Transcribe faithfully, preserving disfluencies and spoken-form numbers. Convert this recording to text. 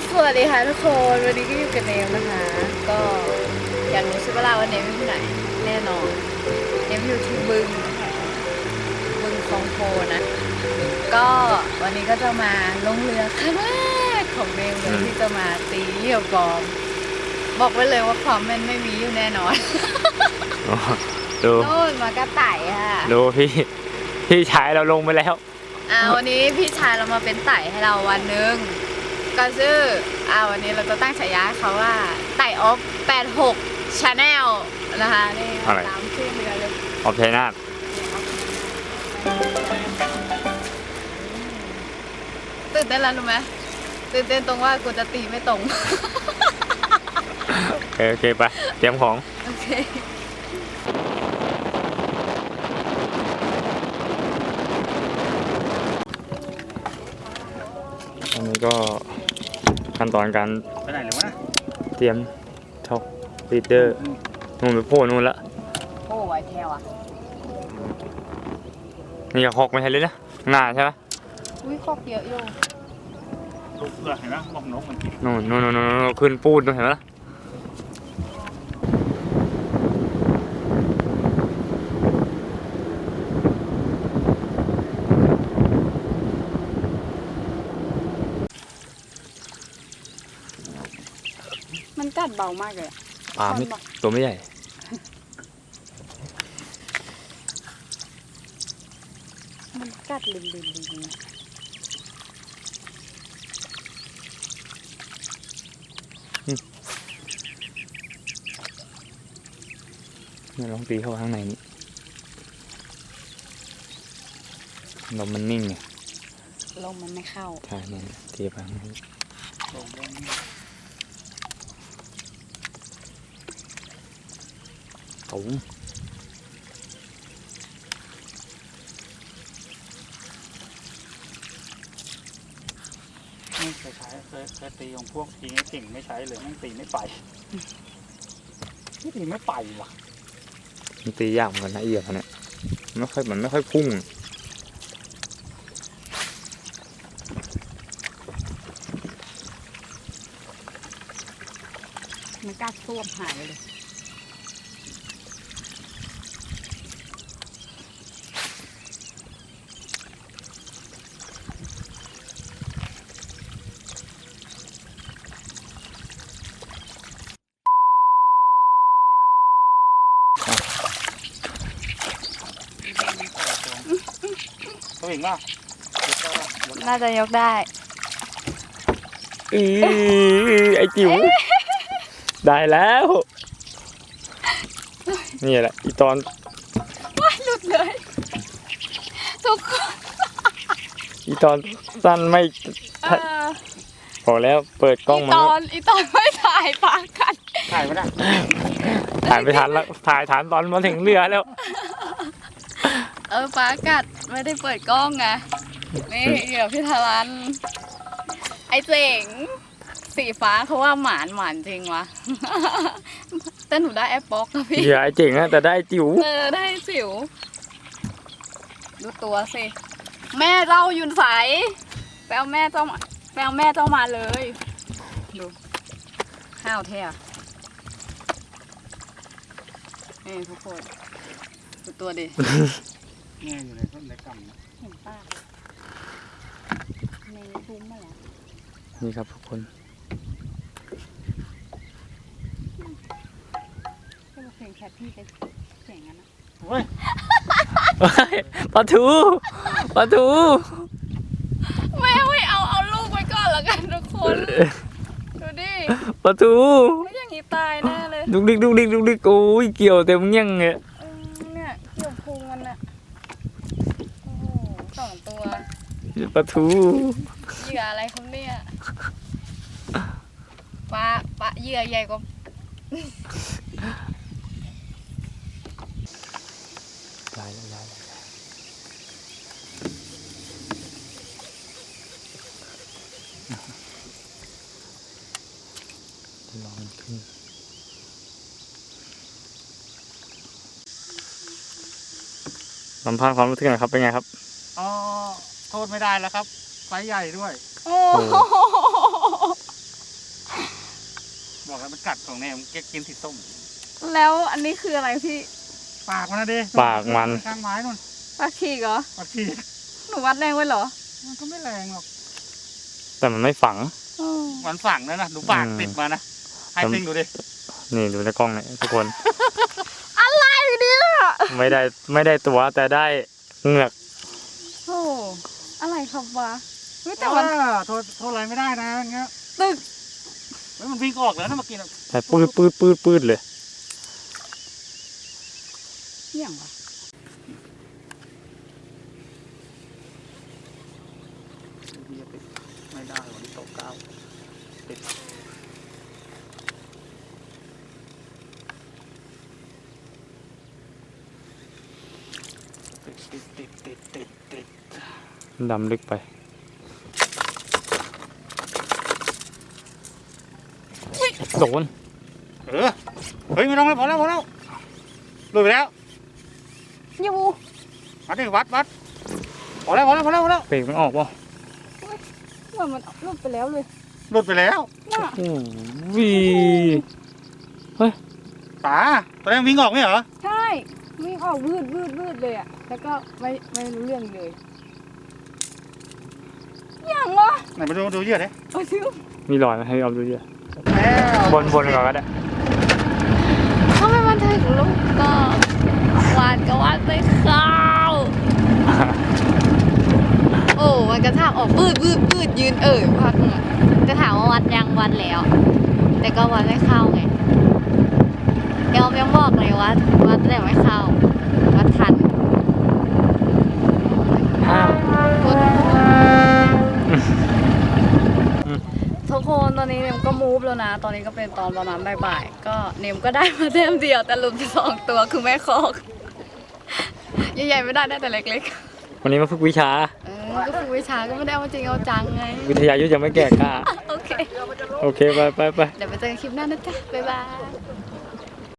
สวัสดีค่ะทุกคนวันนี้ก็อยู่กับเนมนะคะก็อยากรู้ใช่ไหมล่ะว่าเนมอยู่ที่ไหนแน่นอนเนมอยู่ที่บึงบึงคลองโพนะก็วันนี้ก็จะมาลงเรือครั้งแรกของเนมเลยที่จะมาตีเหยี่ยวกอมบอกไว้เลยว่าความแม่นไม่มีอยู่แน่นอนดูโน่นมากระต่ายค่ะดูพี่พี่ชายเราลงไปแล้วอ่าวันนี้พี่ชายเรามาเป็นไต่ให้เราวันหนึ่งก็ชื่ออ่าวันนี้เราจะตั้งฉายาให้เขาว่าไต่ออฟแปดหก Channel นะคะนี่ตามชื่อเรือเลยออฟชัยนาทตื่นเต้นแล้วรู้ไหมตื่นเต้นตรงว่ากูจะตีไม่ตรงโอเคโอเคไปเตรียมของโอเคอันนี้ก็ขั้นตอนการไปไหนเลยวะเตรียมช็อคลีดเดอร์นู่นไปโผล่นู่นละโอ้ไวแทวอ่ะนี่ก็ฮอกไม่ใช่เลยนะหน้าใช่ไหมอุ้ยคอกเยอะอยู่ลูกเสือเห็นไหมบอกนกมันนู่นนู่นนู่นขึ้นปูดนู่นเห็นไหมล่ะมันกัดเบามากเลยปลาไม่ตัวไม่ใหญ่มันกัดลิมลิมลิมเนี่ยลองตีเข้าไปข้างในนี้ลมมันนิ่งไงลมมันไม่เข้าใช่เนี่ยตีไปข้างในตุ๋มไม่เคยใช้เคยเคยตีของพวกตีไม่เก่งไม่ใช้เลยไม่ตีไม่ไปไม่ตีไม่ไปว่ะมันตียากเหมือนกันนะเอี่ยมเนี่ยไม่ค่อยมันไม่ค่อยพุ่งมันกัดซ่วมหายเลยตัวเองว่าน่าจะยกได้อือไอจิ๋วได้แล้วนี่แหละอีตอนไม่หลุดเลยทุกคนอีตอนสั้นไม่พอแล้วเปิดกล้องมาอีตอนอีตอนไม่ถ่ายปากกันถ่ายไม่ได้ถ่ายไปทันแล้วถ่ายทันตอนมาถึงเรือแล้วเออปากัดไม่ได้เปิดกล้องไงนี่เดี๋ยวพี่ทารันไอเจ๋งสีฟ้าเขาว่าหมานหมานจริงวะแต่หนูได้แอปบ็อกนะพี่เดี๋ยวไอเจ๋งนะแต่ได้จิ๋วเออได้จิ๋วดูตัวสิแม่เจ้ายุนใสแปลแม่เจ้าแปลแม่เจ้ามาเลยดูข้าวแท้นี่ทุกคนดูตัวดิเนี่ยอยู่ในต้นในกำเห็นป้าในซุ้มมาแล้วนี่ครับทุกคนก็เพลงแคทพี่ไปเสียงงั้นนะเฮ้ยปลาทูปลาทูแม่ไม่เอาเอาลูกไว้ก่อนแล้วกันทุกคนดูดิปลาทูไม่อย่างนี้ตายแน่เลยดุกดิกดุกดิกดุกดิกโอ้ยเกี่ยวเต็มยังไงเนี่ยเกี่ยวพุงมันอะโอ้โหสองตัวปลาทูเหยื่ออะไรครับเนี่ยปลาปลาเหยื่อใหญ่กว่าลายลายลองขึ้นสัมภาษณ์ความรู้สึกหน่อยครับเป็นไงครับอ๋อโทษไม่ได้แล้วครับไซส์ใหญ่ด้วยโอ้มันเก็บกินสีส้มแล้วอันนี้คืออะไรพี่ปากมันนะดิปากมันข้างไม้นู่นปลาฉีกเหรอปากฉีกหนูวัดแรงไว้เหรอมันก็ไม่แรงหรอกแต่มันไม่ฝังอืมมันฝังแล้วนะดูปากอืมติดมานะให้ติ้งดูดินี่ดูในกล้องเนี่ยทุกคนอะไรเนี่ยไม่ได้ไม่ได้ตัวแต่ได้เหงือกโอ้อะไรครับวะเฮ้ยแต่แต่มัว่าน โทษโทษอะไรไม่ได้นะอย่างเงี้ยตึกเฮ้ยมันวิ่งออกแล้วนะเมื่อกี้นะแต่ปืดปืดปืดปืดเลยเหี้ยงวะเบียร์ติดไม่ได้วันนี้โต๊ะเก้าติดติดติดติดติดติดติดดำลึกไป โดนเออเฮ้ยไม่ต้องแล้วพอแล้วพอแล้วหลุดไปแล้วอยู่วัดดิวัดวัดพอแล้วพอแล้วพอแล้วพอแล้วเบรกมันออกป่ะเหมือนมันหลุดไปแล้วเลยหลุดไปแล้วน่ะโอ้วีเฮ้ยป๋าตอนแรกวิ่งออกไม่เหรอใช่วิ่งออกวืดวืดวืดเลยอะแล้วก็ไม่ไม่รู้เรื่องเลยอย่างวะไหนมาดูดูเหยื่อดิเอาซิวมีรอยไหมให้เอาดูเยอะแล้วบนบนก่อนก็ได้ทำไมมันถึงลูกก็วานก็วานไปเข้าโอ้มันกระชากออกปืดปืดปืดยืนเอ่ยพักหนึ่งอะจะถามว่าวัดยังวัดแล้ว แต่ก็วัดไม่เข้าไงเดี๋ยวยังบอกเลยว่าวัดแต่ไม่เข้าวัดทันอ้าวทุกคนตอนนี้เนมก็มูฟแล้วนะ ตอนนี้ก็เป็นตอนประมาณบ่ายๆก็เนมก็ได้มาเต็มเดียวแต่หลุดไปสองตัวคือแม่คอกใหญ่ๆไม่ได้ได้แต่เล็กวันนี้มาฝึกวิชาๆเออก็ฝึกวิชาก็ไม่ได้เอาจริงเอาจังไงวิทยายุทธยังไม่แก่กล้าโอเคโอเค ไปไปไปเดี๋ยวไปเจอกันคลิปหน้านะจ๊ะ บ๊ายบาย